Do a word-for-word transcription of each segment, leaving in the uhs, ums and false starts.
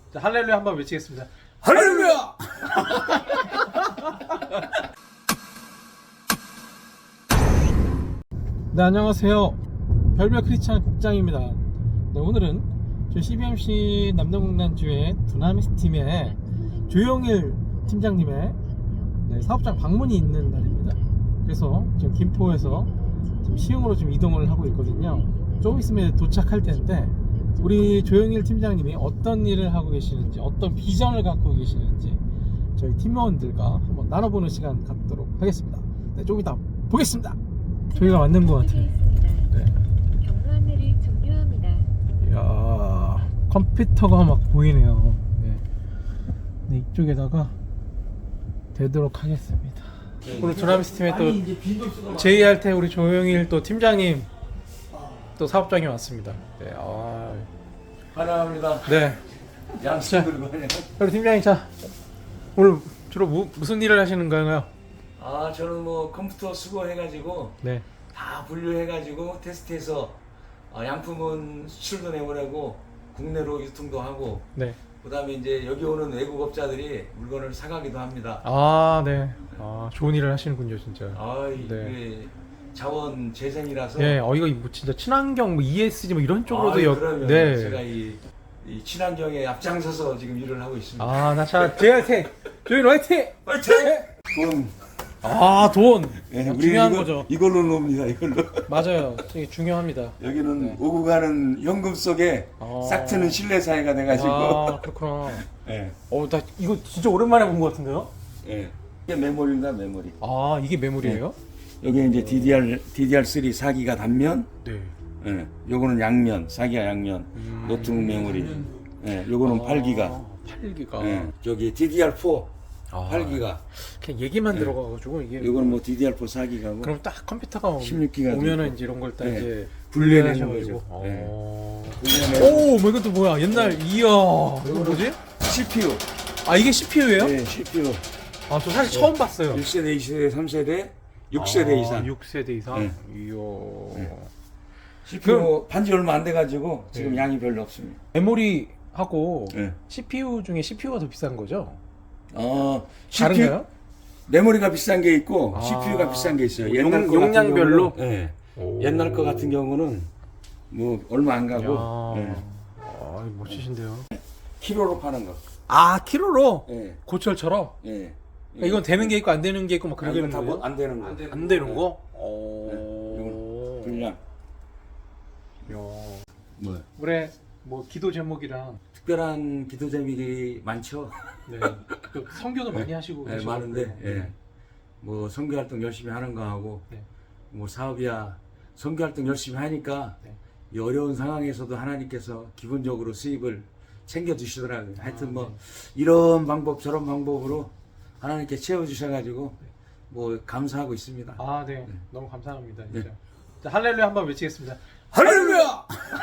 자, 할렐루야 한번 외치겠습니다. 할렐루야! 네, 안녕하세요. 별별 크리스찬 국장입니다. 네, 오늘은 저희 씨비엠씨 남동국난주의 두나미스 팀의 조용일 팀장님의 네, 사업장 방문이 있는 날입니다. 그래서 지금 김포에서 지금 시흥으로 좀 이동을 하고 있거든요. 조금 있으면 도착할 텐데 우리 조용일 팀장님이 어떤 일을 하고 계시는지, 어떤 비전을 갖고 계시는지 저희 팀원들과 한번 나눠보는 시간 갖도록 하겠습니다. 네, 조금 이따 보겠습니다. 저희가 맞는 것 같아요. 네. 경로 안내를 종료합니다. 이야, 컴퓨터가 막 보이네요. 네. 네, 이쪽에다가 대도록 하겠습니다. 오늘 두나미스 팀에 또 제이알 테 우리 조용일 또 팀장님 또 사업장에 왔습니다. 네, 아, 환영합니다. 네. 양식 들고 환영. 우리 팀장님, 자 오늘 주로 무, 무슨 일을 하시는 건가요? 아, 저는 뭐 컴퓨터 수거해가지고 네. 다 분류해가지고 테스트해서 어, 양품은 수출도 내보내고 국내로 유통도 하고 네. 그다음에 이제 여기 오는 외국업자들이 물건을 사가기도 합니다. 아, 네. 아, 좋은 일을 하시는군요, 진짜. 아, 네. 네. 자원 재생이라서. 네, 어 이거 뭐 진짜 친환경, 뭐 이에스지 뭐 이런 쪽으로도 아, 역. 그러면 네. 제가 이, 이 친환경에 앞장서서 지금 일을 하고 있습니다. 아, 나 자, 제이알 테 조용일 화이팅! 화이팅! 돈. 아, 돈. 네, 아, 우리 중요한 이거, 거죠. 이걸로 놉니다. 이걸로. 맞아요. 이게 중요합니다. 여기는 네. 오고 가는 현금 속에 아. 싹 트는 실내 사회가 돼가지고. 아, 그렇구나. 예. 어, 나 이거 진짜 오랜만에 본 것 같은데요? 예. 이게 메모리입니다, 메모리. 아, 이게 메모리예요? 여기 이제 디디알 디디알 쓰리 사 기가 단면, 네. 예. 요거는 양면, 사 기가 양면, 음. 노트북 메모리. 예. 요거는 팔 기가. 팔 기가. 예. 저기 디디알 사 아. 팔 기가. 그냥 얘기만 네. 들어가가지고 이게. 요거는 뭐 디디알 사 사 기가고. 그럼 딱 컴퓨터가 십육 기가 오면은 이제 이런 걸 딱 네. 이제 분류해내는 분류하셔가지고. 거죠. 네. 어. 분류해내고. 오, 뭐 이것도 뭐야? 옛날 이야. 이거 뭐지? 씨피유. 아, 이게 씨피유예요? 네, 씨피유. 아, 저 사실 처음 봤어요. 일 세대, 이 세대, 삼 세대, 육 세대 아, 이상. 육 세대 이상. 네. 이야. 네. 씨피유 반지 얼마 안 돼가지고 지금 네. 양이 별로 없습니다. 메모리하고 네. 씨피유 중에 씨피유가 더 비싼 거죠? 어, 다른가요? 메모리가 비싼 게 있고 아. 씨피유가 비싼 게 있어요. 용- 옛날 거 용량별로? 같은 경우는, 예. 오. 옛날 거 같은 경우는 뭐 얼마 안 가고 야. 예. 아, 멋지신데요. 키로로 파는 거. 아, 키로로? 예. 고철처럼? 예. 그러니까 이건 되는 게 있고 안 되는 게 있고 막 아, 그러게 이건 되는 다 거예요? 뭐 안 되는 거. 안 되는 거? 네. 오. 분량. 야. 뭐 올해 뭐 기도 제목이랑 특별한 기도 제목이 많죠. 네. 또 선교도 많이 하시고 예, 계시고. 많은데 예. 뭐 선교 활동 열심히 하는 거 하고 네. 뭐 사업이야 선교 활동 열심히 하니까 네. 이 어려운 상황에서도 하나님께서 기본적으로 수입을 챙겨 주시더라고요. 하여튼 아, 뭐 네. 이런 방법 저런 방법으로 하나님께 채워 주셔가지고 뭐 감사하고 있습니다. 아, 네. 너무 감사합니다. 진짜. 자, 할렐루야 한번 외치겠습니다. 할렐루야!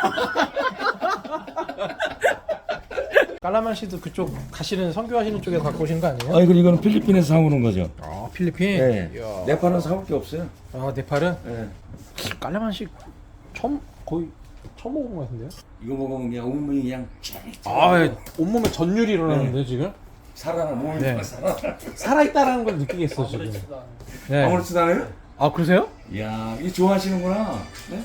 깔라만시도 그쪽 가시는 선교하시는 쪽에서 갖고 오신 거 아니에요? 아 이거 이거는 필리핀에서 사오는 거죠. 아, 필리핀. 네. 이야. 네팔은 사올 게 없어요. 아, 네팔은 네. 깔라만시 처음 거의 처음 먹은 것 같은데요? 이거 먹으면 그냥 온몸이 그냥 아, 예. 온몸에 전율이 일어나는데 지금 살아나 몸이 네. 살아나. 살아 있다라는 걸 느끼겠어 지금. 네. 아무렇지도 않아요? 아, 그러세요? 이야 이거 좋아하시는구나. 네?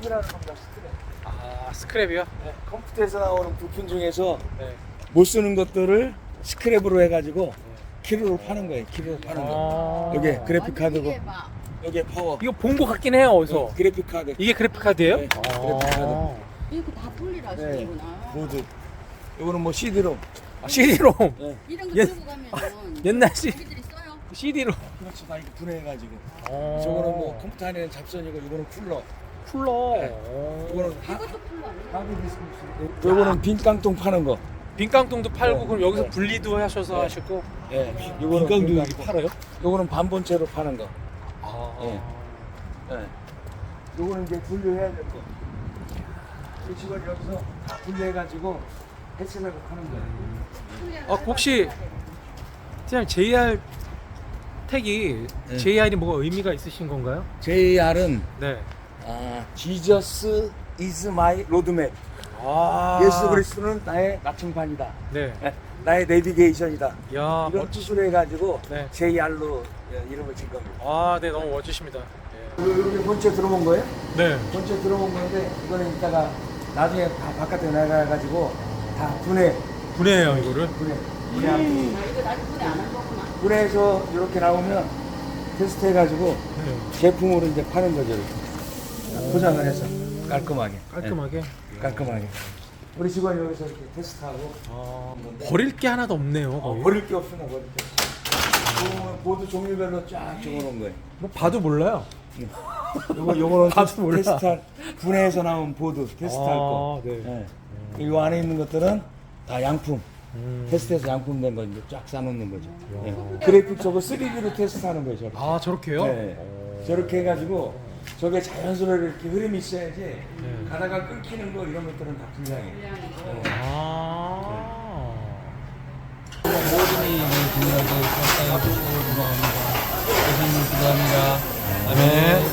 아, 스크랩이요? 네. 컴퓨터에서 나오는 부품 중에서 네. 못 쓰는 것들을 스크랩으로 해가지고 키로로 파는 거예요. 키로로 파는 거. 아. 여기 그래픽 카드고 여기 파워. 이거 본 거 같긴 해요 어디서. 그래픽 카드. 이게 그래픽 카드예요? 네, 아. 그래픽 카드. 이거 다 분리를 하시는구나. 보드. 이거는 뭐 씨디로. 아, 씨디롬. 네. 이런 거 옛- 들고 가면 옛날 씨 자기들이 써요. 씨디로. 그렇지 다 이거 분해해가지고. 어. 저거는 뭐 컴퓨터 안에는 잡선이고 이거는 쿨러. 쿨러. 네. 어. 이거는 하, 이것도 풀로 안 돼. 하드 디스크. 요거는 빈 깡통 파는 거. 빈깡통도 팔고 네. 그럼 여기서 네. 분리도 하셔서 네. 하시고. 예. 요거는 빈깡도 빈 여기 깡통. 팔아요? 요거는 반본체로 파는 거. 아. 예. 예. 요거는 이제 분류해야 될 거. 이 직원 여기서 다 분류해가지고 해체하고 파는 거예요. 아, 혹시 그냥 제이알 택이 네. 제이알이 뭐가 의미가 있으신 건가요? 제이알은 네. 아, Jesus is my roadmap. 아. 예수 그리스도는 나의 나침반이다. 네. 나의 내비게이션이다. 야, 이런 멋지. 뜻으로 해가지고 네. 제이알로 이름을 진 겁니다. 아, 네, 너무 멋지십니다. 예. 여기 본체 들어본 거예요? 네. 본체 들어본 건데 이거는 이따가 나중에 다 바깥에 나가가지고 다 분해 분해해요, 이거를. 분해 분해 음. 아, 이거 나도 분해 안한 거구나. 분해해서 이렇게 나오면 테스트 해가지고 네. 제품으로 이제 파는 거죠. 이렇게. 포장을 해서 깔끔하게 깔끔하게. 네, 깔끔하게 우리 직원이 여기서 이렇게 테스트하고 아, 버릴 게 하나도 없네요. 어, 거의. 버릴 게 없으나 버릴 게 없어. 보면 보드 종류별로 쫙 적어놓은 거예요. 뭐 봐도 몰라요. 요거 요거는 봐도 몰라. 테스트할 분해해서 나온 보드 테스트할 거. 아, 네. 네. 이 안에 있는 것들은 다 양품. 음. 테스트해서 양품된 거 이제 쫙 싸놓는 거죠. 네. 그래픽 저거 쓰리디로 테스트하는 거예요. 저렇게. 아, 저렇게요? 네. 저렇게 해가지고 저게 자연스러워 이렇게 흐름이 있어야지 네. 가다가 끊기는 거 이런 것들은 다 불량해요. 아. 모든이 중요하게 살아가시고 돌아갑니다. 고생님 기도합니다. 아멘.